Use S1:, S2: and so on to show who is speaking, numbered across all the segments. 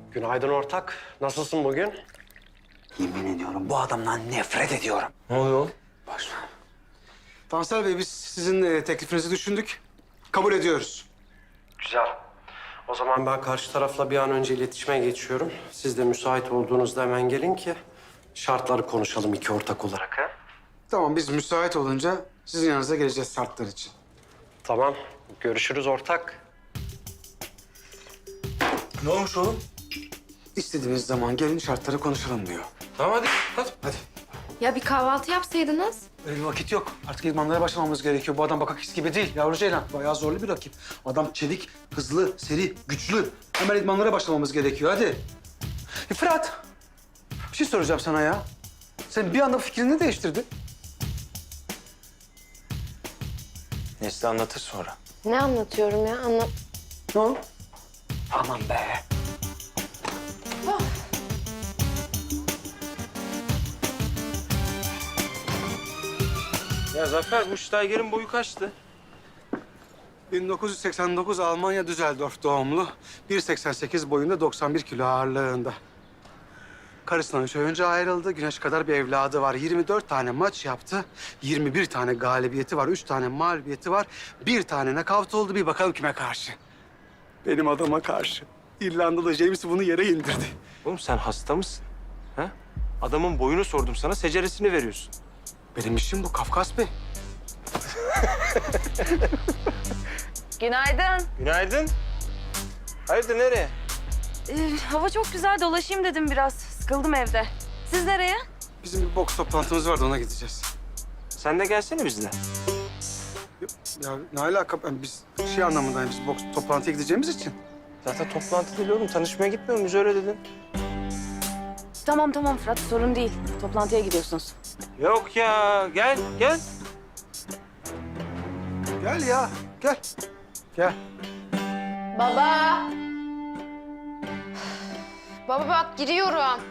S1: Günaydın ortak. Nasılsın bugün?
S2: Yemin ediyorum bu adamdan nefret ediyorum.
S3: Ne oluyor?
S2: Boş ver.
S4: Tansel Bey biz sizin teklifinizi düşündük. Kabul ediyoruz.
S1: Güzel. O zaman ben karşı tarafla bir an önce iletişime geçiyorum. Siz de müsait olduğunuzda hemen gelin ki şartları konuşalım iki ortak olarak. Ha?
S4: Tamam biz müsait olunca sizin yanınıza geleceğiz şartlar için.
S1: Tamam. Görüşürüz ortak.
S3: Ne olmuş oğlum?
S4: İstediğiniz zaman gelin şartları konuşalım diyor.
S3: Tamam hadi. Hadi.
S4: Hadi.
S5: Ya bir kahvaltı yapsaydınız.
S4: Öyle bir vakit yok. Artık idmanlara başlamamız gerekiyor. Bu adam bakakis gibi değil. Yavru Ceylan bayağı zorlu bir rakip. Adam çevik, hızlı, seri, güçlü. Hemen idmanlara başlamamız gerekiyor. Hadi. Fırat, bir şey soracağım sana ya. Sen bir anda fikrini değiştirdin.
S3: Nesli anlatır sonra.
S5: Ne anlatıyorum ya?
S4: Ne oldu?
S2: Aman be.
S3: Ya Zafer, bu Steiger'in boyu kaçtı?
S4: 1989 Almanya Düsseldorf doğumlu. 1.88 boyunda 91 kilo ağırlığında. Karısından 3 ay önce ayrıldı. Güneş kadar bir evladı var. 24 tane maç yaptı. 21 tane galibiyeti var. 3 tane mağlubiyeti var. 1 tane nakavt oldu. Bir bakalım kime karşı? Benim adama karşı. İrlandalı James bunu yere indirdi.
S3: Oğlum sen hasta mısın? Ha? Adamın boyunu sordum sana, seceresini veriyorsun.
S4: Benim işim bu Kafkas Bey.
S6: Günaydın.
S3: Günaydın. Hayırdır, nereye?
S6: Hava çok güzel, dolaşayım dedim biraz. Sıkıldım evde. Siz nereye?
S4: Bizim bir boks toplantımız vardı ona gideceğiz.
S3: Sen de gelsene bizle.
S4: Ya ne alaka? Biz şey anlamında biz boks toplantıya gideceğimiz için.
S3: Zaten toplantı değil oğlum, tanışmaya gitmiyor muyuz? Öyle dedin.
S6: Tamam Fırat, sorun değil. Toplantıya gidiyorsunuz.
S3: Yok ya, gel.
S4: Gel ya, gel. Gel.
S5: Baba. Baba bak giriyorum.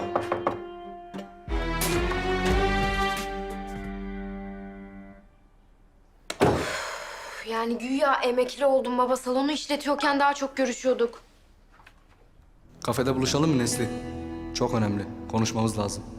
S5: Yani güya emekli oldum baba. Salonu işletiyorken daha çok görüşüyorduk.
S7: Kafede buluşalım mı Nesli? Çok önemli. Konuşmamız lazım.